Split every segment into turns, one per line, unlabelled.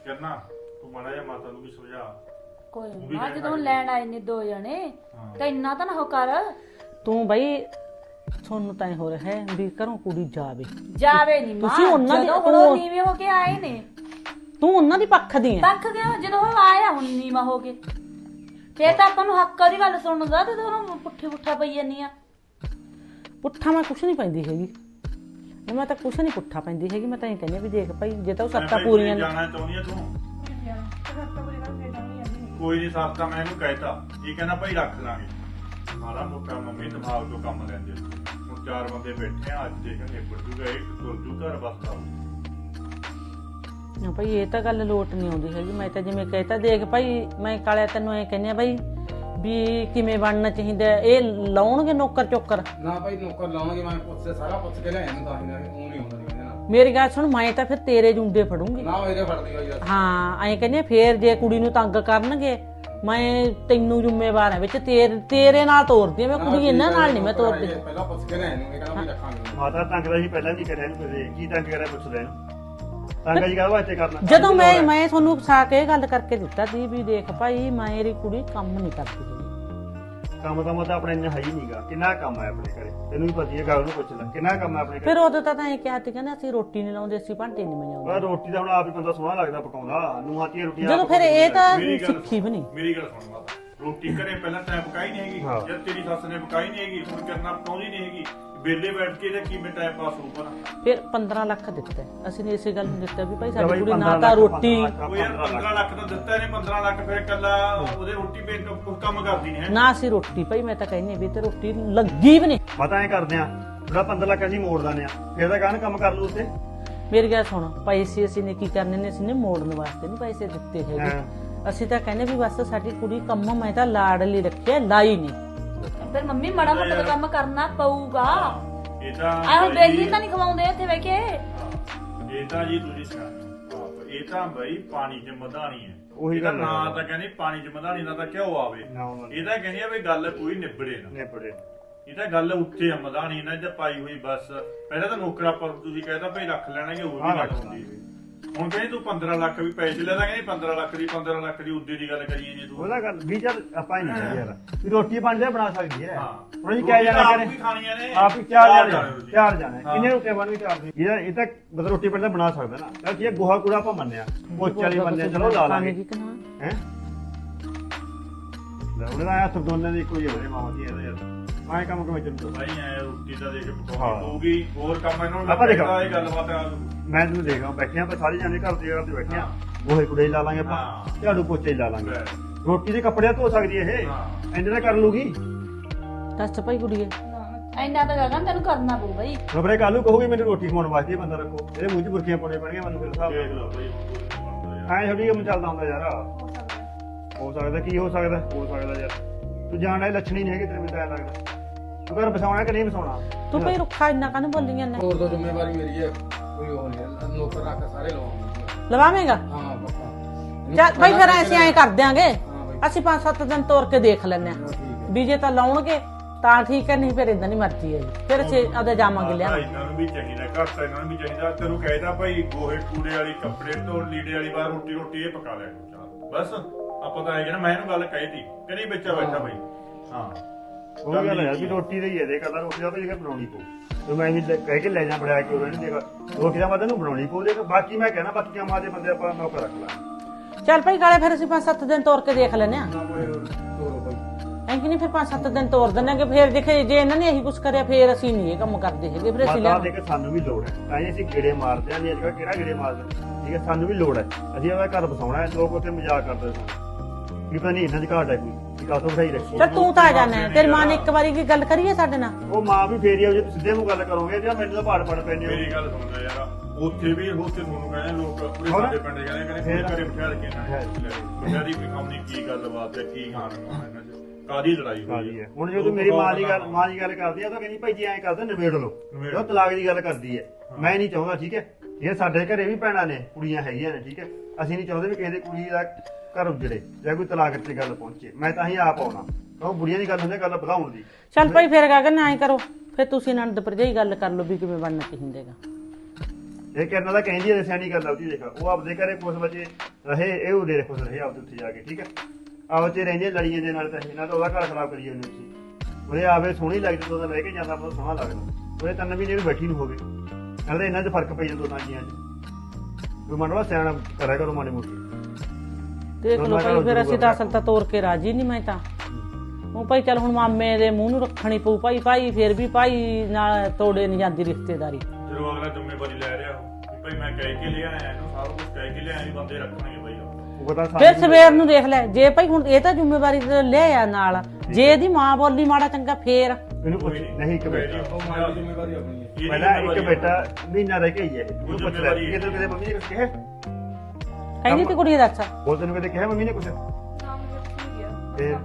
ਕਰਨਾ ਤੂੰ ਮਾੜਾ ਜਿਹਾ ਮਾਤਾ ਨੂੰ ਵੀ ਸਮਝਾ।
ਕੋਈ ਨਾ ਜਦੋਂ ਲੈਣ ਆਏ ਨੇ ਦੋ ਜਣੇ ਤਾਂ ਇੰਨਾ ਤਾਂ ਨਾ ਹੋ ਕਰ।
ਤੂੰ ਬਈ ਤੁਹਾਨੂੰ ਤਾਂ ਹੋ ਰਿਹਾ ਹੈ ਵੀ ਘਰੋਂ ਕੁੜੀ ਜਾਵੇ
ਨਹੀਂ ਮਾਂ,
ਤੁਸੀਂ ਉਹਨਾਂ ਦੀ
ਉਹ ਨੀਵੇਂ ਹੋ ਕੇ ਆਏ ਨੇ।
ਤੂੰ ਉਹਨਾਂ ਦੀ ਪੱਖ ਦੀ ਹੈ।
ਪੱਖ ਗਿਆ ਜਦੋਂ ਉਹ ਆਇਆ ਹੁਣ ਨੀਵਾ ਹੋ ਕੇ, ਫੇਰ ਤਾਂ ਆਪਾਂ ਨੂੰ ਹੱਕ ਦੀ ਗੱਲ ਸੁਣਨ ਦਾ ਤੇ ਉਹਨੂੰ ਪੁੱਠਾ ਪਈ ਜਾਂਦੀ ਆ।
ਪੁੱਠਾ ਮੈਂ ਕੁਛ ਨਹੀਂ ਪੈਂਦੀ ਹੈਗੀ, ਮੈਂ ਤਾਂ ਕੁਛ ਨਹੀਂ ਪੁੱਠਾ ਪੈਂਦੀ ਹੈਗੀ। ਮੈਂ ਤਾਂ ਇਹ ਕਹਿੰਦੀ ਵੀ ਦੇਖ ਭਾਈ ਜੇ ਤਾਂ ਉਹ ਸੱਤਾਂ ਪੂਰੀਆਂ
ਜਾਣਾ ਚਾਹੁੰਦੀ ਆ ਤੂੰ, ਕੋਈ ਨਹੀਂ ਸਾਫਤਾ ਮੈਂ ਇਹਨੂੰ ਕਹਿਤਾ ਇਹ ਕਹਿੰਦਾ ਭਾਈ ਰੱਖ ਲਾਂਗੇ ਮਾੜਾ ਮੋਟਾ ਮੰਮੀ ਦਿਮਾਗ ਤੋਂ ਕੰਮ ਲੈਂਦੇ। ਹੁਣ 4 ਬੰਦੇ ਬੈਠੇ ਆ ਅੱਜ ਦੇਖ ਨਿਬੜ ਜੂਗਾ ਇੱਕ ਤੁਰ ਜੂ ਘਰ ਬਸਦਾ।
ਨਾ ਭਾਈ ਇਹ ਤਾਂ ਗੱਲ ਲੋਟ ਨਹੀਂ ਆਉਂਦੀ ਹੈਗੀ। ਮੈਂ ਤਾਂ ਜਿਵੇਂ ਕਹਿਤਾ ਦੇਖ ਭਾਈ ਮੈਂ ਕਾਲਿਆ ਤੈਨੂੰ ਐ ਕਹਿੰਦੀ ਆ ਭਾਈ ਵੀ ਕਿਵੇਂ ਬਣਨਾ ਚਾਹੀਦਾ। ਇਹ ਲਾਉਣਗੇ ਨੌਕਰ ਚੋਕਰ
ਨਾ ਭਾਈ ਨੌਕਰ ਲਾਉਣਗੇ, ਮੈਂ ਸਾਰਾ ਪੁੱਛ ਕੇ ਲਿਆਇਆ ਨੂੰ ਤਾਂ ਉਹ ਨਹੀਂ ਹੁੰਦਾ ਨਹੀਂ ਕਹਿੰਦਾ।
ਮੇਰੀ ਗੱਲ ਸੁਣ, ਮੈਂ ਤਾਂ ਫਿਰ ਤੇਰੇ ਜੁੰਡੇ ਫੜੂੰਗੀ
ਨਾ ਮੇਰੇ ਫੜਦੀ ਹੋਈ
ਹਾਂ। ਐਂ ਕਹਿੰਦੀ ਫੇਰ ਜੇ ਕੁੜੀ ਨੂੰ ਤੰਗ ਕਰਨਗੇ ਮੈਂ ਤੈਨੂੰ ਜ਼ਿੰਮੇਵਾਰ ਹਾਂ ਵਿੱਚ, ਤੇਰੇ ਨਾਲ ਤੋਰਦੀ ਆ ਮੈਂ ਕੁੜੀ, ਇਹਨਾਂ ਨਾਲ ਨਹੀਂ ਮੈਂ ਤੋਰਦੀ।
ਪਹਿਲਾਂ ਪੁੱਛ ਕੇ ਲਿਆਇਆ ਨੂੰ ਇਹ ਕਹਿੰਦਾ ਵੀ ਰੱਖਾਂਗੇ।
ਮਾਤਾ ਤੰਗ ਦਾ ਸੀ ਪਹਿਲਾਂ ਵੀ ਕਰਿਆ ਨੂੰ ਕਦੇ ਕੀ ਤੰਗ ਕਰਿਆ ਪੁੱਛਦਾ ਇਹਨੂੰ ਤੰਗ ਜੀ ਕਾਹਦੇ ਵਾਸਤੇ ਕਰਨਾ।
ਜਦੋਂ ਮੈਂ ਤੁਹਾਨੂੰ ਫਸਾ ਕੇ ਇਹ ਗੱਲ ਕਰਕੇ ਦਿੱਤਾ ਸੀ ਵੀ ਦੇਖ ਭਾਈ ਮੇਰੀ ਕੁੜੀ ਕੰਮ ਨਹੀਂ ਕਰਦੀ ਹੈਗੀ।
ਕੰਮ ਤਾਂ ਮਤਾ ਆਪਣੇ ਇੰਨਾ ਹੈ ਹੀ ਨਹੀਂਗਾ। ਕਿੰਨਾ ਕੰਮ ਹੈ ਆਪਣੇ ਘਰੇ ਤੈਨੂੰ ਵੀ ਪਤਾ ਹੈ, ਗੱਲ ਨੂੰ ਪੁੱਛ ਲੈ ਕਿੰਨਾ ਕੰਮ ਹੈ ਆਪਣੇ ਘਰੇ।
ਫਿਰ ਉਦੋਂ ਤਾਂ ਐਂ ਕਿਹਾ ਸੀ ਕਹਿੰਦੇ ਅਸੀਂ ਰੋਟੀ ਨਹੀਂ ਲਾਉਂਦੇ, ਅਸੀਂ ਭਾਂਡੇ ਨਹੀਂ ਮੰਜਾਉਂਦੇ।
ਪਰ ਰੋਟੀ ਤਾਂ ਹੁਣ ਆਪ ਹੀ ਬੰਦਾ ਸੋਹਣਾ ਲੱਗਦਾ ਪਕਾਉਂਦਾ ਨੂੰਹਾਂ ਧੀਆਂ ਰੋਟੀਆਂ
ਜਦੋਂ ਫਿਰ ਇਹ ਤਾਂ ਸਿੱਖੀ ਵੀ ਨਹੀਂ।
ਮੇਰੀ ਗੱਲ ਸੁਣ ਮਾਤਾ, ਰੋਟੀ ਘਰੇ ਪਹਿਲਾਂ ਟਾਈਮ ਪਕਾਈ ਨਹੀਂ ਹੈਗੀ, ਜਦ ਤੇਰੀ ਸੱਸ ਨੇ ਪਕਾਈ ਨਹੀਂ ਹੈਗੀ ਹੁਣ ਕਰਨਾ ਪਕਾਉਂਦੀ ਨਹੀਂ ਹੈਗੀ। ਵੇਲੇ ਬੈਠ ਕੇ ਇਹਦਾ ਕਿਵੇਂ ਟਾਈਮ ਪਾਸ ਹੋਊਗਾ ਨਾ।
ਫਿਰ 15 ਲੱਖ ਦਿੱਤਾ ਅਸੀਂ ਨੇ ਇਸੇ ਗੱਲ ਨੂੰ ਦਿੱਤਾ ਵੀ ਭਾਈ ਸਾਡੀ ਕੁੜੀ ਨਾ ਤਾਂ ਰੋਟੀ
ਉਹ ਯਾਰ 15 ਲੱਖ ਤਾਂ ਦਿੱਤਾ ਇਹਨੇ 15 ਲੱਖ ਫਿਰ ਕੱਲਾ ਉਹਦੇ ਰੋਟੀ ਪੇਟ ਕੰਮ ਕਰਦੀ ਨਹੀਂ ਹੈ
ਨਾ। ਅਸੀਂ ਰੋਟੀ ਭਾਈ ਮੈਂ ਤਾਂ ਕਹਿੰਦੀ ਵੀ ਤੇ ਰੋਟੀ ਲੱਗੀ ਵੀ ਨਹੀਂ।
ਪਤਾ ਐ ਕਰਦੇ ਆ ਜਿਹੜਾ 15 ਲੱਖ ਅਸੀਂ ਮੋੜ ਦਿੰਦੇ ਆ ਫਿਰ ਤਾਂ ਕਾਹਨ ਕੰਮ ਕਰ ਲੂ ਉੱਤੇ।
ਮੇਰੀ ਗੱਲ ਸੁਣ, ਪੈਸੇ ਅਸੀਂ ਨੇ ਕੀ ਕਰਨੇ ਨੇ, ਅਸੀਂ ਨੇ ਮੋੜਨ ਵਾਸਤੇ ਨਹੀਂ ਪੈਸੇ ਦਿੱਤੇ ਹੈਗੇ। ਅਸੀਂ ਤਾਂ ਕਹਿੰਦੇ ਵੀ ਬਸ ਸਾਡੀ ਕੁੜੀ ਕੰਮ ਮੈਂ ਤਾਂ ਲਾੜ ਲਈ ਰੱਖਿਆ, ਲਾਈ ਨਹੀਂ।
ਫਿਰ ਮੰਮੀ ਮਾੜਾ ਮੋਟਾ ਕੰਮ ਕਰਨਾ ਪਊਗਾ।
ਇਹ ਤਾਂ
ਆਹੋ ਬੇਲੀ ਤਾਂ ਨਹੀਂ ਖਵਾਉਂਦੇ ਇੱਥੇ ਬਹਿ ਕੇ।
ਇਹ ਤਾਂ ਜੀ ਤੁਸੀਂ ਸੁਣਾ ਇਹ ਤਾਂ ਬਈ ਪਾਣੀ 'ਚ ਮਧਾਣੀ ਹੈ।
ਉਹੀ
ਇਹਦਾ
ਗੱਲ
ਨਾਂ ਤਾਂ ਕਹਿੰਦੇ ਪਾਣੀ 'ਚ ਮਧਾਣੀ ਨਾ ਤਾਂ ਕਿਉਂ ਆਵੇ। ਇਹ ਤਾਂ ਕਹਿੰਦੀ ਆ ਵੀ ਗੱਲ ਕੋਈ ਨਿਬੜੇ ਨਾ। ਇਹ ਤਾਂ ਗੱਲ ਉੱਥੇ ਆ ਮਧਾਣੀ ਨਾ ਜੇ ਪਾਈ ਹੋਈ ਬਸ। ਪਹਿਲਾਂ ਤਾਂ ਨੌਕਰਾ ਪਰ ਤੁਸੀਂ ਕਹਿੰਦਾ ਭਾਈ ਰੱਖ ਲੈਣਗੇ ਉਹ ਵੀ ਗੱਲ ਹੁੰਦੀ ਹੈ। ਹੁਣ ਕਹਿੰਦੀ ਤੂੰ 15 ਲੱਖ ਵੀ ਪੈਸੇ ਲੈ ਦਾਂਗੇ 15 ਲੱਖ ਦੀ ਉੱਦੇ ਦੀ ਗੱਲ ਕਰੀਏ ਜੇ ਤੂੰ
ਉਹਦਾ ਗੱਲ ਵੀ ਚੱਲ ਆਪਾਂ ਹੀ ਨਹੀਂ ਯਾਰ ਵੀ ਰੋਟੀ ਪਾਣੀ ਤਾਂ ਬਣਾ ਸਕਦੀ ਹੈ।
ਹਾਂ
ਜੀ ਕਿਆ ਜਾਣਾ
ਆਪ ਵੀ ਖਾਣੀਆਂ ਨੇ
ਆਪ ਹੀ ਚਾਰ ਜਾਣੇ ਕਿੰਨੇ ਰੋਟੀਆਂ ਬਣ ਵੀ ਚਾਰ ਇਹ ਤਾਂ ਮਤਲਬ ਰੋਟੀ ਪਾਣੀ ਤਾਂ ਬਣਾ ਸਕਦਾ ਨਾ। ਤਾਂ ਕੀ ਗੋਹਾ ਕੂੜਾ ਆਪਾਂ ਮੰਨਿਆ ਪੋਚੇ ਵਾਲੀ ਮੰਨਿਆ ਚਲੋ ਲਾ ਲਾਂਗੇ ਹੈ। ਉਹਦਾ ਹੱਥ ਦੋਨਾਂ ਦੀ ਕੋਈ ਹੋਵੇ ਮਾਮਾ ਜੀ ਯਾਰ ਮੈਂ ਕੰਮ ਕਿਵੇਂ ਚੱਲੂ
ਭਾਈ ਐ ਰੋਟੀ ਤਾਂ ਦੇਖ ਪਕਾਉਣੀ ਪਊਗੀ ਹੋਰ ਕੰਮ ਇਹਨਾਂ ਨੂੰ
ਆਪਾਂ ਦੇਖੋ
ਇਹ ਗੱਲਬਾਤ ਆ।
ਮੈਂ ਤੁਹਾਨੂੰ ਦੇਖਾਂ ਬੈਠੇ ਆਪਾਂ ਸਾਰੇ ਜਾਣੇ ਘਰ ਦੇ ਬੈਠੇ ਆ ਗੋਹੇ ਕੂੜੇ ਲਾ ਲਾਂਗੇ ਆਪਾਂ ਝਾੜੂ ਪੋਚੇ ਲਾ ਲਾਂਗੇ। ਰੋਟੀ ਦੇ ਕੱਪੜੇ ਧੋ ਸਕਦੀ ਇਹ ਇੰਨੇ ਤਾਂ ਕਰ ਲੂਗੀ।
ਦੱਸ ਭਾਈ ਕੁੜੀਏ
ਇੰਨਾ ਤਾਂ ਗਗਨ ਤੈਨੂੰ ਕਰਨਾ ਪਊ ਬਈ।
ਖਬਰੇ ਕੱਲ ਨੂੰ ਕਹੂਗੀ ਮੈਨੂੰ ਰੋਟੀ ਖਵਾਉਣ ਵਾਸਤੇ ਬੰਦਾ ਰੱਖੋ ਇਹਦੇ ਮੂੰਹ 'ਚ ਬੁਰਕੀਆਂ ਪਾਉਣੇ ਪੈਣਗੀਆਂ ਮੈਨੂੰ ਫਿਰ ਹਿਸਾਬ
ਦੇਖ ਲਓ ਭਾਈ
ਐਂ ਥੋੜੀ ਕੰਮ ਚੱਲਦਾ ਹੁੰਦਾ ਯਾਰ। ਹੋ ਸਕਦਾ ਕੀ ਹੋ ਸਕਦਾ ਯਾਰ ਤੂੰ ਜਾਣਦਾ ਲੱਛਣੀ ਨਹੀਂ ਹੈਗੀ ਤੇਰੇ ਮੈਨੂੰ ਤਾਂ ਲੱਗਦਾ ਤੂੰ ਘਰ ਬਸਾਉਣਾ ਕਿ ਨਹੀਂ ਬਸਾਉਣਾ।
ਤੂੰ ਭਾਈ ਰੁੱਖਾ ਇੰਨਾ ਕਾਹਨੂੰ ਬੋਲੀ ਜਾਂਦਾ।
ਹੋਰ ਤਾਂ ਜ਼ਿੰਮੇਵਾਰੀ ਮੇਰੀ ਹੈ ਕੋਈ ਉਹ ਨਹੀਂ ਨੌਕਰ ਰੱਖ ਸਾਰੇ ਲਵਾਉਂਗੇ।
ਲਵਾਵੇਂਗਾ
ਹਾਂ ਪੱਕਾ
ਚੱਲ ਭਾਈ ਫਿਰ ਅਸੀਂ ਐਂ ਕਰ ਦਿਆਂਗੇ ਅਸੀਂ 5-7 ਦਿਨ ਤੋਰ ਕੇ ਦੇਖ ਲੈਂਦੇ ਆ ਵੀ ਜੇ ਤਾਂ ਲਾਉਣਗੇ ਤਾਂ ਠੀਕ ਹੈ ਨਹੀਂ ਫਿਰ ਇਦਾਂ ਨਹੀਂ ਮਰਜ਼ੀ ਹੈ ਜੀ ਫਿਰ ਅਸੀਂ ਆਦੇ ਜਾਵਾਂਗੇ ਲਿਆ।
ਇਹਨਾਂ ਨੂੰ ਵੀ ਚਾਹੀਦਾ ਘਰ ਤਾਂ ਇਹਨਾਂ ਨੂੰ ਵੀ ਚਾਹੀਦਾ। ਤੈਨੂੰ ਕਹਿਦਾ ਭਾਈ ਗੋਹੇ ਕੂੜੇ ਵਾਲੀ ਕੱਪੜੇ ਧੋਣ ਲੀੜੇ ਵਾਲੀ ਬਾਰ ਰੋਟੀ ਇਹ ਪਕਾ ਲਿਆ ਬਸ। ਆਪਾਂ ਤਾਂ ਆਏ ਨਾ ਮੈਂ ਇਹਨੂੰ ਗੱਲ ਕਹੀ ਤੀ ਕਿ ਨਹੀਂ ਬੱਚਾ ਬੈਠਾ ਭਾਈ। ਹਾਂ
ਉਹ ਗੱਲ ਹੈ ਵੀ ਰੋਟੀ ਦਾ ਹੀ ਹੈ ਦੇ ਕਹਿੰਦਾ ਰੋਟੀ ਦਾ ਤਾਂ ਜਿਹੜਾ ਬਣਾਉਣੀ ਪਊ ਤੇ ਮੈਂ ਵੀ ਕਹਿ ਕੇ ਲੈ ਜਾ ਬਣਾ ਕੇ ਉਹਨਾਂ ਨੇ ਦੇਖਾ ਰੋਟੀ ਦਾ ਮਤਲਬ ਨੂੰ ਬਣਾਉਣੀ ਪਊ। ਦੇਖ ਬਾਕੀ ਮੈਂ ਕਹਿਣਾ ਬਾਕੀ ਕੰਮਾਂ ਦੇ ਬੰਦੇ ਆਪਾਂ ਨੌਕਰ ਰੱਖ ਲਾਂ।
ਚੱਲ ਭਾਈ ਕਾਲੇ ਫਿਰ ਅਸੀਂ 5-7 ਦਿਨ ਤੋਰ ਕੇ ਦੇਖ ਲੈਨੇ ਆ।
ਤੋਰੋ ਭਾਈ
ਐਂ ਕਿ ਨਹੀਂ ਫਿਰ 5-7 ਦਿਨ ਤੋਰ ਦਿੰਦੇ ਕਿ ਫਿਰ ਦੇਖੇ ਜੇ ਇਹਨਾਂ ਨੇ ਇਹੀ ਕੁਝ ਕਰਿਆ ਫਿਰ ਅਸੀਂ ਨਹੀਂ ਇਹ ਕੰਮ ਕਰਦੇ ਹੈਗੇ ਫਿਰ ਅਸੀਂ
ਮਾਤਾ ਦੇਖ ਸਾਨੂੰ ਵੀ ਲੋੜ ਹੈ ਤਾਂ ਹੀ ਅਸੀਂ ਗੇੜੇ ਮਾਰਦੇ ਆਂ। ਨਹੀਂ ਅੱਜ ਕਿਹੜਾ ਗੇੜੇ ਮਾਰਦੇ ਠੀਕ ਹੈ ਸਾਨੂੰ ਵੀ ਲੋੜ ਹੈ। ਅਸੀਂ ਉਹਦਾ ਘਰ ਬਸਾਉਣਾ ਹੈ। ਲੋਕ ਉੱਥੇ ਮਜ਼ਾਕ ਕਰਦੇ ਸਨ ਵੀ ਪਤਾ ਨਹੀਂ ਇਹਨਾਂ ਦੀ ਘਾਟ ਹੈ ਕੋਈ ਕਾਹਤੋਂ ਬਿਠਾਈ ਰੱਖੀ।
ਚੱਲ ਤੂੰ ਤਾਂ ਆ ਜਾਣਾ ਤੇਰੀ ਮਾਂ ਨੇ ਇੱਕ ਵਾਰੀ ਕੀ ਗੱਲ ਕਰੀਏ ਸਾਡੇ ਨਾਲ।
ਉਹ ਮਾਂ ਵੀ ਫੇਰੀ ਆਉ ਜੇ ਤੁਸੀਂ ਸਿੱਧੇ ਮੂੰਹ ਗੱਲ ਕਰੋਗੇ ਜਾਂ ਮੈਨੂੰ ਤਾਂ ਪਾੜ ਪੈਂਦੇ ਹੋ।
ਮੇਰੀ ਗੱਲ ਸੁਣਦਾ ਯਾਰ ਉੱਥੇ ਵੀ ਤੁਹਾਨੂੰ ਕਹਿੰਦੇ ਲੋਕ ਆਪਣੇ ਸਾਡੇ ਪਿੰਡ ਕਹਿੰਦੇ ਘਰੇ ਬਿਠਾ ਕੇ ਨਾ ਦੀ ਪਿਖਾਉਣੀ ਕੀ ਗੱਲਬਾਤ ਹੈ ਕੀ ਖਾਣ ਇਹਨਾਂ ਚ ਕਾਦੀ ਲੜਾਈ ਹੋਈ ਹੈ।
ਹੁਣ ਜਦੋਂ ਮੇਰੀ ਮਾਂ ਦੀ ਗੱਲ ਕਰਦੀ ਆ ਤਾਂ ਕਹਿੰਦੀ ਭਾਈ ਜੀ ਐਂ ਕਰਦੇ ਨਿਬੇੜ ਲਓ ਉਹ ਤਲਾਕ ਦੀ ਗੱਲ ਕਰਦੀ ਹੈ। ਮੈਂ ਨਹੀਂ ਚਾਹੁੰਦਾ ਠੀਕ ਹੈ ਇਹ ਸਾਡੇ ਘਰੇ ਵੀ ਭੈਣਾਂ ਨੇ ਕੁੜੀਆਂ ਹੈਗੀਆਂ ਨੇ ਠੀਕ ਹੈ ਅਸੀਂ ਨਹੀਂ ਚਾਹੁੰਦੇ ਵੀ ਕਿਸੇ ਦੀ ਕੁੜੀ ਦਾ ਘਰ ਉਜੜੇ ਜਾਂ ਕੋਈ ਤਲਾਕ ਦੀ ਗੱਲ ਪਹੁੰਚੇ। ਮੈਂ ਤਾਂ ਹੀ ਆਪ ਆਉਣਾ ਉਹ ਬੁੜੀਆਂ ਦੀ ਗੱਲ ਹੁੰਦੀ ਗੱਲ ਵਧਾਉਣ ਦੀ।
ਚੱਲ ਭਾਈ ਫਿਰ ਗਗਨ ਐਂ ਕਰੋ ਫਿਰ ਤੁਸੀਂ ਨੰਦ ਭਰਜਾਈ ਗੱਲ ਕਰ ਲਓ ਵੀ ਕਿਵੇਂ ਬਣਨਾ ਚਾਹੀਦਾਗਾ।
ਇਹ ਕਰਨਾ ਤਾਂ ਕਹਿੰਦੀ ਹੈ ਸਿਆਣੀ ਗੱਲ ਉਹਦੀ ਦੇਖ ਉਹ ਆਪਦੇ ਘਰੇ ਕੁਛ ਬੱਚੇ ਰਹੇ ਇਹ ਉਹਦੇ ਖੁਸ਼ ਰਹੇ ਆਪਦੇ ਉੱਥੇ ਜਾ ਕੇ ਠੀਕ ਹੈ ਆਪ ਚ ਰਹਿੰਦੇ ਲੜੀਆਂ ਦੇ ਨਾਲ ਤਾਂ ਇਹਨਾਂ ਤਾਂ ਉਹਦਾ ਘਰ ਖਰਾਬ ਕਰੀ ਜਾਂਦੇ ਤੁਸੀਂ ਉਹਦੇ ਆਵੇ ਸੋਹਣੀ ਲੱਗਦੀ ਤਾਂ ਲੈ ਕੇ ਜਾਂਦਾ ਬਹੁਤ ਸੋਹਣਾ ਲੱਗਦਾ ਉਹਦੇ 3 ਮਹੀਨੇ ਵੀ ਬੈਠੀ ਨੂੰ ਹੋ ਗਏ ਨਾਲੇ ਇਹਨਾਂ 'ਚ ਫਰਕ ਪਈ ਜਾਂਦਾ ਦੋਨਾਂ ਜੀਆਂ 'ਚ ਕੋਈ ਮੰਨਵਾ ਸਿਆਣਾ ਕਰਿਆ ਕਰੋ ਮਾੜੀ ਮੋਟੀ
ਦੇਖ ਲਓ ਭਾਈ ਫਿਰ ਅਸੀਂ ਤਾਂ ਅਸਲ ਤਾਂ ਤੋਰ ਕੇ ਰਾਜੀ ਨਹੀਂ ਮੈਂ ਤਾਂ ਉਹ ਭਾਈ ਚੱਲ ਹੁਣ ਮਾਮੇ ਦੇ ਮੂੰਹ ਨੂੰ ਰੱਖਣੀ ਪਊ ਭਾਈ ਫਿਰ ਵੀ ਭਾਈ ਨਾਲ ਤੋੜੇ ਨਹੀਂ ਜਾਂਦੀ ਰਿਸ਼ਤੇਦਾਰੀ
ਜਦੋਂ ਅਗਲਾ ਜ਼ਿੰਮੇਵਾਰੀ ਲੈ ਰਿਹਾ ਕਿ ਭਾਈ ਮੈਂ ਕਹਿ ਕੇ ਲਿਆ ਇਹਨੂੰ ਸਾਰਾ ਕੁਝ ਕਹਿ ਕੇ ਲਿਆ ਵੀ ਬੰਦੇ ਰੱਖਣਗੇ ਭਾਈ
ਉਹ ਤਾਂ
ਫਿਰ ਸਵੇਰ ਨੂੰ ਦੇਖ ਲੈ ਜੇ ਭਾਈ ਹੁਣ ਇਹ ਤਾਂ ਜ਼ਿੰਮੇਵਾਰੀ ਤੇ ਲਿਆ ਨਾਲ ਜੇ ਇਹਦੀ ਮਾਂ ਬੋਲੀ ਮਾੜਾ ਚੰਗਾ ਫੇਰ
ਇਹਨੂੰ ਪੁੱਛ ਨਹੀਂ ਇੱਕ ਬੇਟਾ
ਉਹ ਮਾਂ ਦੀ ਜ਼ਿੰਮੇਵਾਰੀ ਆਪਣੀ ਹੈ
ਪਹਿਲਾਂ ਇੱਕ ਬੇਟਾ ਮਹੀਨਾ ਰਹਿ ਕੇ ਹੀ ਹੈ ਇਹਨੂੰ ਪੁੱਛ ਲੈ ਕਿ ਤੈਨੂੰ ਕਿਤੇ ਮੰਮੀ ਨੇ ਕੁਝ ਕਿਹਾ
ਕਹਿੰਦੀ ਤੇ ਕੁੜੀ ਦਾ ਅੱਛਾ
ਉਹ ਤੈਨੂੰ ਕਿਤੇ ਕਿਹਾ ਮੰਮੀ ਨੇ ਕੁਝ ਫਿਰ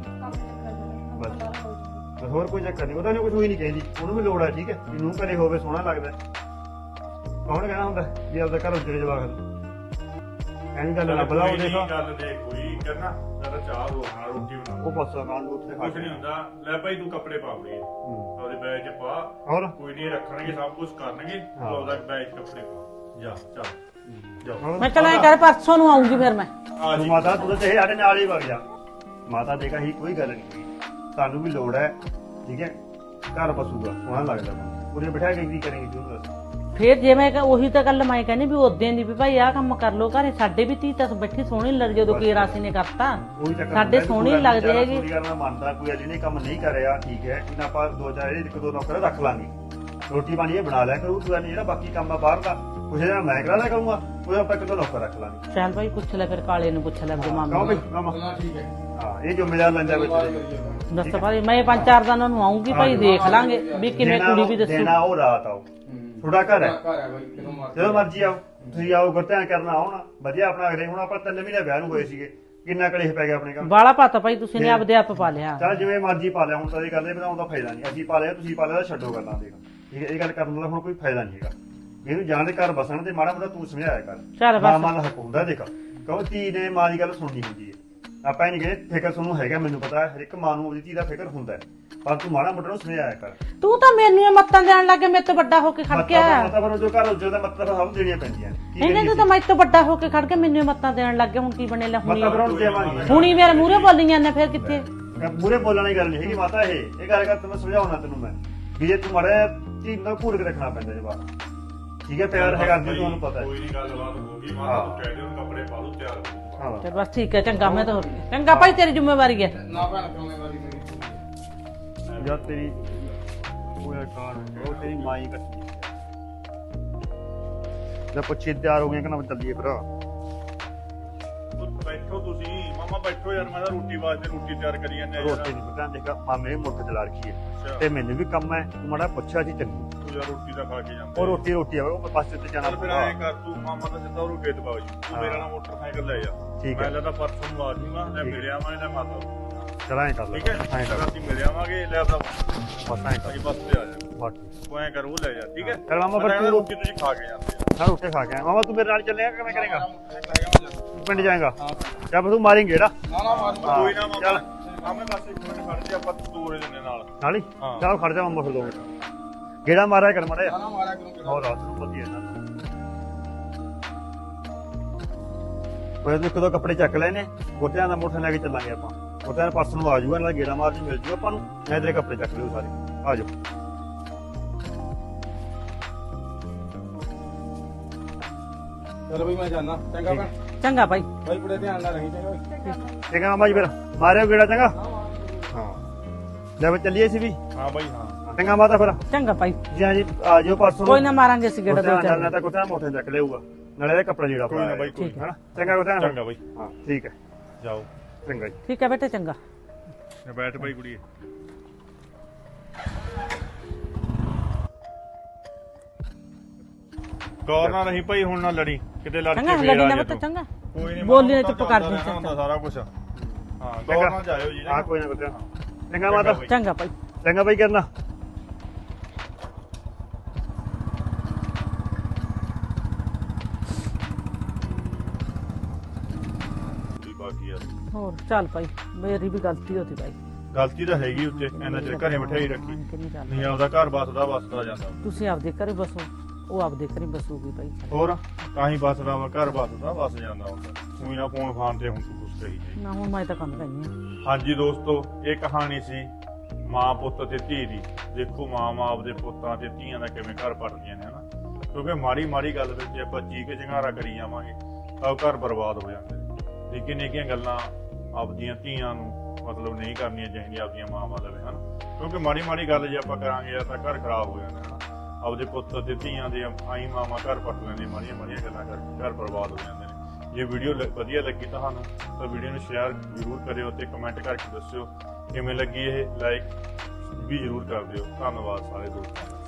ਬਸ ਹੋਰ ਕੋਈ ਚੱਕਰ ਨਹੀਂ ਉਹਦਾ ਨਹੀਂ ਕੁਝ ਹੋਈ ਨਹੀਂ ਕਹਿੰਦੀ ਉਹਨੂੰ ਵੀ ਲੋੜ ਹੈ ਠੀਕ ਹੈ ਇਹਨੂੰ ਘਰੇ ਹੋਵੇ ਸੋਹਣਾ ਲੱਗਦਾ ਕੌਣ ਕਹਿਣਾ ਹੁੰਦਾ ਵੀ ਆਪਦਾ ਘਰ ਉੱਜੜੇ ਜਵਾਕ ਐਂ ਗੱਲ ਨਾ ਬਲਾਓ ਦੇਖੋ
ਗੱਲ ਦੇਖ ਕੋਈ ਕਰਨਾ ਜਰਾ ਚਾਹ ਹੋ ਖਾਣਾ ਰੋਟੀ ਬਣਾ
ਉਹ ਪਾਸਾ ਕਾਂ ਨੂੰ ਉੱਥੇ ਖਾ
ਕੁਝ ਨਹੀਂ ਹੁੰਦਾ ਲੈ ਭਾਈ ਤੂੰ ਕੱਪੜੇ ਪਾ ਆਪਣੀ ਉਹਦੇ ਬੈਗ 'ਚ ਪਾ
ਹੋਰ
ਕੋਈ ਨਹੀਂ ਰੱਖਣਗੇ ਸਭ ਕੁਝ ਕਰਨਗੇ ਉਹਦਾ ਬੈਗ 'ਚ ਕੱਪੜੇ ਪਾ ਜਾ ਚੱਲ ਜਾ
ਮੈਂ ਚਲ ਐ ਕਰ ਪਰਸੋਂ ਨੂੰ ਆਉਂਗੀ ਫਿਰ ਮੈਂ
ਆ
ਤੂੰ
ਜੀ
ਮਾਤਾ ਤੂੰ ਤਾਂ ਚਾਹੇ ਸਾਡੇ ਨਾਲ ਹੀ ਵਗ ਜਾ ਮਾਤਾ ਦੇ ਕਹੀ ਕੋਈ ਗੱਲ ਨਹੀਂ ਸਾਨੂੰ ਵੀ ਲੋੜ ਹੈ ਠੀਕ ਹੈ ਘਰ ਬਸੂਗਾ ਸੋਹਣਾ ਲੱਗਦਾ ਉਹਨੇ ਬਿਠਾ ਕੇ ਕੀ ਕਰੇਂਗੇ ਤੂੰ ਦੱਸ
ਫਿਰ ਜੇ ਮੈਂ ਉਹੀ ਤਾਂ ਗੱਲ ਮੈਂ ਕਹਿੰਦੀ ਵੀ ਉਦੋਂ ਦੀ ਵੀ ਭਾਈ ਆਹ ਕੰਮ ਕਰ ਲੋ ਘਰੇ ਸਾਡੇ ਵੀ ਧੀ ਤਾਂ ਬੈਠੀ ਸੋਹਣੀ ਲੱਗ ਜਦੋਂ ਕੀ ਰਾਸੀ ਨੇ ਕਰਤਾ
ਉਹੀ ਚੱਕਰ
ਸਾਡੇ ਸੋਹਣੀ ਲੱਗਦੇ ਹੈਗੇ
ਪੂਰੀ ਗੱਲ ਮੈਂ ਮੰਨਦਾ ਕੋਈ ਅਜੇ ਨੇ ਕੰਮ ਨਹੀਂ ਕਰਿਆ ਠੀਕ ਹੈ ਇਹਨਾਂ ਆਪਾਂ ਦੋ ਚਾਰ ਇੱਕ ਦੋ ਨੌਕਰ ਰੱਖ ਲਾਂਗੇ ਰੋਟੀ ਪਾਣੀ ਇਹ ਬਣਾ ਲਿਆ ਕਰੂ ਤੂੰ ਜਿਹੜਾ ਬਾਕੀ ਕੰਮ ਆ ਬਾਹਰ ਦਾ ਕੁਛ ਜਿਹੜਾ ਮੈਂ ਕਰਾ ਲਿਆ ਕਰੂੰਗਾ ਉਹ ਆਪਾਂ ਇੱਕ ਦੋ ਨੌਕਰ ਰੱਖ ਲਾਂਗੇ
ਚੱਲ ਭਾਈ ਪੁੱਛ ਲੈ ਫਿਰ ਕਾਲੇ ਨੂੰ ਪੁੱਛ ਲੈ ਆਪਣੇ ਮਾਮੇ
ਕਹੋ
ਨੂੰ
ਬਈ ਮਾਮਾ
ਉਹਨਾਂ ਠੀਕ ਹੈ
ਹਾਂ ਇਹ ਜ਼ਿੰਮੇਵਾਰ ਲੈਂਦਾ ਵਿੱਚ
ਦੱਸ ਭਾਈ ਮੈਂ 5-4 ਦਿਨਾਂ ਨੂੰ ਆਉਂਗੀ ਭਾਈ ਦੇਖ ਲਾਂਗੇ ਵੀ ਕਿਵੇਂ ਕੁੜੀ ਵੀ ਦੱਸੂ
ਦੇਣਾ ਉਹ ਰਾਤ ਆਓ ਥੋੜਾ ਘਰ ਹੈ
ਘਰ ਹੈ ਬਾਈ ਕਿਦੋਂ ਮਾਰ
ਜਦੋਂ ਮਰਜੀ ਆਓ ਤੁਸੀਂ ਆਓ ਗੁਰਤਿਆਂ ਕਰਨਾ ਆਉਣਾ ਵਧੀਆ ਆਪਣਾ ਅਗਲੇ ਹੁਣ ਆਪਾਂ 3 ਮਹੀਨੇ ਵਿਆਹ ਨੂੰ ਹੋਏ ਸੀਗੇ ਕਿੰਨਾ ਕਲੇਸ਼ ਪੈ ਗਿਆ ਆਪਣੇ ਘਰ
ਬਾਲਾ ਪਾਤਾ ਭਾਈ ਤੁਸੀਂ ਨੇ ਆਪਦੇ ਆਪ ਪਾ ਲਿਆ
ਚੱਲ ਜਿਵੇਂ ਮਰਜੀ ਪਾ ਲਿਆ ਹੁਣ ਤਾਂ ਇਹ ਗੱਲ ਇਹ ਬਣਾਉਣ ਦਾ ਫਾਇਦਾ ਨਹੀਂ ਅਸੀਂ ਪਾ ਲਿਆ ਤੁਸੀਂ ਪਾ ਲਿਆ ਛੱਡੋ ਗੱਲਾਂ ਦੇਖ ਠੀਕ ਹੈ ਇਹ ਗੱਲ ਕਰਨ ਦਾ ਹੁਣ ਕੋਈ ਫਾਇਦਾ ਨਹੀਂ ਹੈਗਾ ਇਹਨੂੰ ਜਾਣ ਦੇ ਘਰ ਬਸਣ ਤੇ ਮਾੜਾ ਮੋਟਾ ਤੂੰ ਸਮਝਾਇਆ ਕਰ
ਚੱਲ ਬਸ
ਮਾਂ ਦਾ ਹੱਕ ਹੁੰਦਾ ਦੇਖ ਕਹੋ ਧੀ ਨੇ ਮਾਂ ਦੀ ਗੱਲ ਸੁਣਨੀ ਹੁੰਦੀ ਹੈ ਆਪਾਂ ਇਹ ਨਹੀਂ ਕਹਿੰਦੇ ਫਿਕਰ ਤੁਹਾਨੂੰ ਹੈਗਾ ਮੈਨੂੰ ਪਤਾ ਹਰ ਇੱਕ ਮਾਂ ਨੂੰ ਉਹਦੀ ਧੀ ਦਾ ਫਿਕਰ ਹੁੰਦਾ ਹੈ ਪਰ ਤੂੰ ਮਾੜਾ ਮੋਟਾ ਨੂੰ ਸਮਝਾਇਆ ਕਰ
ਤੂੰ ਤਾਂ ਮੈਨੂੰ ਇਹ ਮੱਤਾਂ ਦੇਣ ਲੱਗੇ ਮੇਰੇ ਤੋਂ ਵੱਡਾ ਹੋ ਕੇ ਖੜ ਕੇ ਆਇਆ
ਮਤਲਬ ਜੋ ਘਰ ਉੱਜੋ ਦਾ ਮਤਲਬ ਸਭ ਦੇਣੀਆਂ ਪੈਂਦੀਆਂ ਨੇ ਕੀ
ਇਹਨੇ ਤੂੰ ਤਾਂ ਮੇਰੇ ਤੋਂ ਵੱਡਾ ਹੋ ਕੇ ਖੜ ਕੇ ਮੈਨੂੰ ਇਹ ਮੱਤਾਂ ਦੇਣ ਲੱਗੇ ਹੁਣ ਕੀ ਬਣੇ ਲੈ ਹੁਣੀ
ਮਤਲਬ ਹੁਣ ਦੇਵਾਂਗੇ
ਹੁਣੀ ਮੇਰੇ ਮੂਹਰੇ ਬੋਲੀ ਜਾਂਦੇ ਫਿਰ ਕਿੱਥੇ
ਮੂਰੇ ਬੋਲਣ ਦੀ ਗੱਲ ਨਹੀਂ ਹੈਗੀ ਮਾਤਾ ਇਹ ਗੱਲ ਕਰ ਤੈਨੂੰ ਸਮਝਾਉਣਾ ਤੈਨੂੰ ਮੈਂ ਵੀ ਜੇ ਤੂੰ ਮਾੜਾ ਚੀਜ਼ ਨਾਲ ਘੂਰ ਕੇ ਰੱਖਣਾ ਪੈਂਦਾ ਜਵਾਬ ਠੀਕ ਹੈ ਪਿਆਰ ਹੈਗਾ ਅੱਗੇ ਤੁਹਾਨੂੰ ਪਤਾ ਹੈ
ਕੋਈ ਨਹੀਂ ਗੱਲਬਾਤ ਹੋਊਗੀ ਮਾਤਾ ਤੂੰ ਕਹਿ ਦੇ ਉਹਨੂੰ ਕੱਪੜੇ ਪਾ ਲੂ ਤਿਆਰ ਹੋ
ਹਾਂ
ਚਲ ਬਸ ਠੀਕ ਹੈ ਚੰਗਾ ਮੈਂ ਤਾਂ ਹੋ ਗਈ ਚੰਗਾ ਭਾਈ ਤੇਰੀ ਜ਼ਿੰਮੇਵਾਰੀ ਹੈ
ਨਾ ਭੈਣ ਜ਼ਿੰਮੇਵਾਰੀ ਮੇਰੀ
ਜਦ ਤੇਰੀ ਉਹ ਕਾਰ ਉਹ ਤੇਰੀ ਮਾਈ ਕੱਟੀ ਜਦ ਪੁੱਛੀ ਤਿਆਰ ਹੋ ਗਏ ਕਿ ਨਾ ਚੱਲੀਏ ਫਿਰ
ਬੈਠੋ ਤੁਸੀਂ ਮਾਮਾ ਬੈਠੋ ਯਾਰ ਮੈਂ ਤਾਂ ਰੋਟੀ ਵਾਸਤੇ ਰੋਟੀ ਤਿਆਰ ਕਰੀ ਜਾਂਦੇ ਆ
ਰੋਟੀ ਨਹੀਂ ਪਤਾ ਦੇਖਾ ਮਾਮੇ ਮੁੱਕ ਚਲਾ ਰੱਖੀ ਹੈ ਤੇ ਮੈਨੂੰ ਵੀ ਕੰਮ ਹੈ ਤੂੰ ਮਾੜਾ ਪੁੱਛਿਆ ਸੀ ਚੰਗੀ
ਤੂੰ ਯਾਰ ਰੋਟੀ ਦਾ ਖਾ ਕੇ ਜਾਂਦਾ
ਉਹ ਰੋਟੀ ਆਵੇ ਉਹ ਪਾਸੇ ਤੇ ਜਾਣਾ
ਚੱਲ ਫਿਰ ਐਂ ਕਰ ਤੂੰ ਮਾਮਾ ਦਾ ਸਿੱਧਾ ਉਹਨੂੰ ਖੇਤ ਬਾਗ ਜੀ ਤੂੰ ਮੇਰੇ ਨਾਲ ਮੋਟਰਸਾਈਕਲ ਲੈ ਜਾ
ਠੀਕ ਹੈ।
ਮੈਂ ਲੈਦਾ ਪਰਸੋਂ ਨੂੰ ਆ ਜਾਊਗਾ ਲੈ
ਠੀਕ।
ਮਿਲਿਆ ਮੈਂ ਲੈ ਮਾਤਾ
ਚਲਾਏ ਕਰ ਲੈ
ਠੀਕ ਹੈ
ਐਂ ਕਰ
ਅਸੀਂ ਮਿਲ ਆਵਾਂਗੇ ਲੈ ਆਪਦਾ
ਬਸ ਐਂ ਕਰ
ਅਸੀਂ ਬੱਸ ਤੇ ਆ ਜਾ
ਬਸ
ਤੂੰ ਐਂ ਕਰ ਉਹ ਲੈ ਜਾ ਠੀਕ ਹੈ
ਚੱਲ ਮਾਮਾ
ਮੈਂ
ਫਿਰ
ਕਹਿੰਦਾ
ਤੂੰ
ਰੋਟੀ ਤੁਸੀਂ ਖਾ ਕੇ ਜਾਂਦੇ ਆ
ਨਾ ਰੋਟੀ ਖਾ ਕੇ ਆਇਆ ਮਾਮਾ ਤੂੰ ਮੇਰੇ ਨਾਲ ਚੱਲੇਗਾ ਕਿਵੇਂ ਕਰੇਗਾ
ਨਾ
ਤੂੰ ਪਿੰਡ ਜਾਏਗਾ ਜਦ ਤੂੰ ਮਾਰੇਂਗੇ ਜਿਹੜਾ
ਨਾ ਮਾਰ
ਕੋਈ ਨਾ
ਚੱਲ।
ਮਾਮਾ ਮਾਮੇ ਬਸ ਇੱਕ ਮਿੰਟ ਖੜ ਜਾ ਆਪਾਂ ਤੋਰੇ ਦਿੰਦੇ ਨਾਲ
ਨਾਲ ਹੀ
ਹਾਂ।
ਚੱਲ ਖੜ ਜਾ ਮਾਮਾ ਫਿਰ 2 ਮਿੰਟ ਗੇੜਾ ਮਾਰਿਆ ਕਰ ਮਾੜਾ
ਨਾ ਮਾਰਿਆ ਕਰੂੰ
ਹੋਰ ਰਾਤ ਨੂੰ ਵਧੀਆ ਨਾ ਕੋਈ ਇੱਕ ਦੋ ਕੱਪੜੇ ਚੱਕ ਲੈਨੇ ਗੋਟਿਆਂ ਦਾ ਮੋਟਰ ਲੈ ਕੇ ਚੱਲਾਂਗੇ ਆਪਾਂ ਗੋਟਿਆਂ ਦਾ ਪਰਸ ਨੂੰ ਆ ਜਾਊਗਾ ਨਾਲ ਗੇੜਾ ਮਾਰ ਜੀ ਮਿਲ ਜੂ ਆਪਾਂ ਨੂੰ ਮੈਂ ਤੇਰੇ ਕੱਪੜੇ ਚੱਕ ਲਿਓ ਸਾਰੇ ਆ ਜਾਓ
ਚਲ ਬਈ ਮੈਂ ਜਾਣਾ ਚੰਗਾ ਭੈਣ
ਚੰਗਾ ਭਾਈ
ਬਾਈ ਬੜੇ ਧਿਆਨ ਨਾਲ ਰਹੀ ਚੰਗਾ
ਠੀਕ ਹੈ ਮਾਮਾ ਜੀ ਫਿਰ ਮਾਰਿਓ ਗੇੜਾ ਚੰਗਾ ਹਾਂ ਲੈ ਫਿਰ ਚੱਲੀਏ ਸੀ ਵੀ
ਹਾਂ ਬਾਈ ਹਾਂ
ਚੰਗਾ ਮਾਤਾ ਫਿਰ
ਚੰਗਾ ਭਾਈ
ਜੀ ਹਾਂ ਜੀ ਆ ਜਾਓ ਪਰਸੋਂ
ਕੋਈ ਨਾ ਮਾਰਾਂਗੇ ਅਸੀਂ ਗੇੜਾ ਦੋ ਚਾਰ
ਨਾ ਤਾਂ ਗੋਟਿਆਂ ਮੋਟਰ ਚੱਕ ਲਿਆਊਗਾ ਨਾਲੇ ਇਹਦਾ ਕੱਪੜਾ ਜਿਹੜਾ
ਕੋਈ ਨਾ ਬਾਈ ਕੋਈ
ਹਨਾ ਚੰਗਾ ਗੋਟਿਆਂ
ਚੰਗਾ ਬਾਈ
ਹਾਂ ਠੀਕ ਹੈ
ਜਾਓ
ਚੰਗਾ ਜੀ
ਠੀਕ ਹੈ ਬੇਟੇ ਚੰਗਾ
ਬੈਠ ਬਾਈ ਕੁੜੀਏ ਗੌਰ ਨਾਲ ਨਹੀਂ ਭਾਈ ਹੁਣ ਨਾ ਲੜੀ ਕਿਤੇ ਲੜ
ਚੰਗਾ
ਕੇ
ਲੜੀ
ਫੇਰ
ਨਾ
ਆ
ਬਤਾ
ਜਾ
ਚੰਗਾ
ਕੋਈ ਨਹੀਂ
ਬੋਲੀ ਨਾ ਚੁੱਪ ਕਰ ਦੇ
ਹੁੰਦਾ ਸਾਰਾ ਕੁਝ ਹਾਂ ਗੌਰ ਨਾਲ ਜਾਇਓ ਜੀ
ਹਾਂ ਕੋਈ ਨਾ ਗੋਟਿਆਂ ਚੰਗਾ ਮਾਤਾ
ਚੰਗਾ ਭਾਈ
ਚੰਗਾ ਬਾਈ ਕਰਨਾ
ਬਾਕੀ ਆ
ਹੋਰ ਚੱਲ ਭਾਈ ਮੇਰੀ ਵੀ ਗਲਤੀ ਹੋਤੀ ਭਾਈ
ਗਲਤੀ ਤਾਂ ਹੈਗੀ ਉੱਤੇ ਇਹਨਾਂ ਚਿਰ ਘਰੇ ਬਿਠਾਈ ਰੱਖੀ
ਕਿੰਨੀ ਗੱਲ
ਨਹੀਂ ਆਪਦਾ ਘਰ ਬਸਦਾ ਜਾਂਦਾ
ਤੁਸੀਂ ਆਪਦੇ ਘਰੇ ਬਸੋ ਉਹ ਆਪਦੇ ਘਰੇ ਬਸੂਗੀ ਭਾਈ।
ਹੋਰ ਤਾਂ ਹੀ ਬਸਦਾ ਵਾ, ਘਰ ਬਸਦਾ ਬਸ ਜਾਂਦਾ ਹੁੰਦਾ। ਕੋਈ ਨਾ ਫੋਨ ਫਾਨ ਤੇ ਹੁਣ ਤੂੰ ਕੁਛ ਕਹੀ ਜਾਈਂ।
ਨਾ ਹੁਣ ਮੈਂ ਤਾਂ ਕੰਮ ਕਰਨੀ ਆ।
ਹਾਂਜੀ ਦੋਸਤੋ, ਇਹ ਕਹਾਣੀ ਸੀ ਮਾਂ ਪੁੱਤ ਤੇ ਧੀ ਦੀ। ਦੇਖੋ ਮਾਂ ਆਪਦੇ ਪੁੱਤਾਂ ਤੇ ਧੀਆਂ ਦਾ ਕਿਵੇਂ ਘਰ ਪੜਦੀਆਂ ਨੇ, ਹਨਾ। ਕਿਉਂਕਿ ਮਾੜੀ ਮਾੜੀ ਗੱਲ ਵਿੱਚ ਜੇ ਆਪਾਂ ਚੀਕ ਚਿੰਗਾਰਾ ਕਰੀ ਜਾਵਾਂਗੇ ਤਾਂ ਘਰ ਬਰਬਾਦ ਹੋ ਜਾਂਦੇ ਨੇ। ਨਿੱਕੀਆਂ ਨਿੱਕੀਆਂ ਗੱਲਾਂ ਆਪਦੀਆਂ ਧੀਆਂ ਨੂੰ ਮਤਲਬ ਨਹੀਂ ਕਰਨੀਆਂ ਚਾਹੀਦੀਆਂ ਆਪਦੀਆਂ ਮਾਵਾਂ ਲਵੇ, ਹਨਾ। ਕਿਉਂਕਿ ਮਾੜੀ ਮਾੜੀ ਗੱਲ ਜੇ ਆਪਾਂ ਕਰਾਂਗੇ ਤਾਂ ਘਰ ਖਰਾਬ ਹੋ ਜਾਂਦਾ, ਹਨਾ। ਆਪਦੇ ਪੁੱਤ ਤੇ ਧੀਆਂ ਦੇ ਆਈ ਮਾਵਾਂ ਘਰ ਪੱਟ ਲੈਂਦੇ, ਮਾੜੀਆਂ ਮਾੜੀਆਂ ਗੱਲਾਂ ਕਰਕੇ ਘਰ ਬਰਬਾਦ ਹੋ ਜਾਂਦੇ ਨੇ। ਜੇ ਵੀਡੀਓ ਵਧੀਆ ਲੱਗੀ ਤੁਹਾਨੂੰ ਤਾਂ ਵੀਡੀਓ ਨੂੰ ਸ਼ੇਅਰ ਜ਼ਰੂਰ ਕਰਿਓ ਤੇ ਕਮੈਂਟ ਕਰਕੇ ਦੱਸਿਓ ਕਿਵੇਂ ਲੱਗੀ ਇਹ। ਲਾਈਕ ਵੀ ਜ਼ਰੂਰ ਕਰ ਦਿਓ। ਧੰਨਵਾਦ ਸਾਰੇ ਦੋਸਤਾਂ ਦਾ।